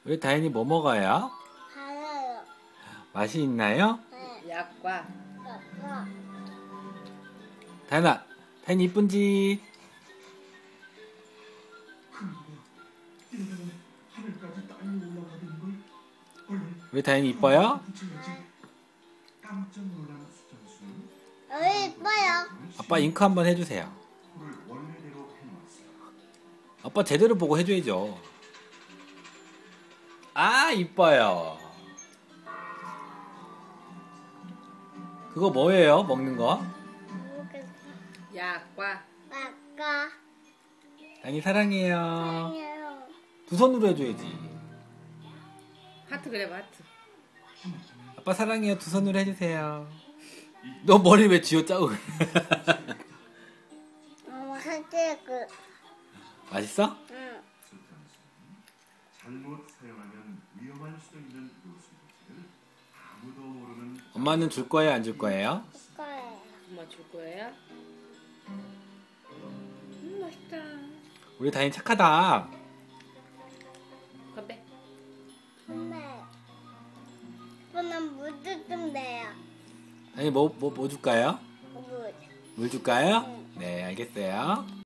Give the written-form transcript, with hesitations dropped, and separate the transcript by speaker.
Speaker 1: 우리 다현이 뭐 먹어요?
Speaker 2: 달아요.
Speaker 1: 맛이 있나요?
Speaker 2: 네.
Speaker 3: 약과.
Speaker 2: 아빠.
Speaker 1: 다현아, 다현이 이쁜지?
Speaker 4: 하늘까지 땅이 올라가는 걸 얼른
Speaker 1: 우리 다현이 이뻐요?
Speaker 4: 붙여야지. 깜짝 놀란 수정수
Speaker 2: 여기 이뻐요.
Speaker 1: 아빠 잉크 한번 해주세요.
Speaker 4: 코를 원래대로 해놓았어요.
Speaker 1: 아빠 제대로 보고 해줘야죠. 아, 이뻐요. 그거 뭐예요? 먹는 거?
Speaker 3: 약과.
Speaker 2: 아까.
Speaker 1: 다현이 사랑해요.
Speaker 2: 아니에요.
Speaker 1: 두 손으로 해줘야지.
Speaker 3: 하트 그래 봐, 하트.
Speaker 1: 아빠 사랑해요. 두 손으로 해주세요. 너 머리 왜 쥐어짜고 그래?
Speaker 2: 사실
Speaker 1: 맛있어?
Speaker 2: 응.
Speaker 4: 잘못 사용하면 위험할 수도 있는 요소를 아무도 모르는
Speaker 1: 엄마는 줄 거예요? 안 줄 거예요?
Speaker 2: 거예요.
Speaker 3: 엄마 줄 거예요? 맛있다.
Speaker 1: 우리 다현이 착하다.
Speaker 3: 건배.
Speaker 2: 근데 저는 물도 좀 돼요.
Speaker 1: 다현이 뭐 줄까요?
Speaker 2: 물.
Speaker 1: 물 줄까요?
Speaker 2: 응.
Speaker 1: 네, 알겠어요.